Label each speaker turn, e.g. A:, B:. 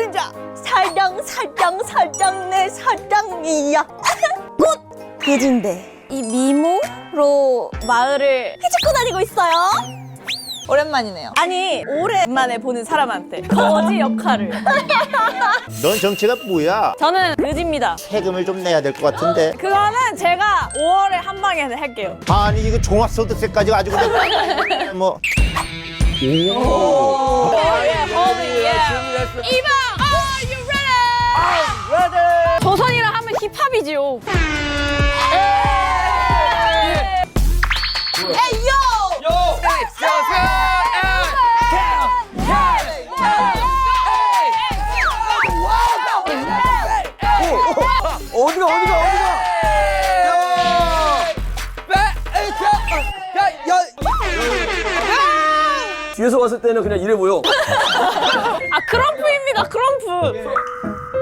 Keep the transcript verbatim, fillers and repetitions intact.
A: 노른자 사랑 사랑 사랑 내 사랑이야. 꽃 그진데 이 미모로 마을을 헤집고 다니고 있어요.
B: 오랜만이네요.
A: 아니 오랜만에 보는 사람한테 거지 역할을.
C: 넌 정체가 뭐야?
A: 저는 그지입니다.
C: 세금을 좀 내야 될 것 같은데.
A: 그거는 제가 오월에 한 방에 할게요.
C: 아니 이거 종합소득세까지 아주 그냥 뭐. 오.
A: 오, 예, 예. 이방, are you ready? 조선이라 하면 힙합이지요. 에이, 요!
D: 어디가 어디가 어디가? 뒤에서 봤을 때는 그냥 이래 보여.
A: 아, 크럼프입니다, 크럼프.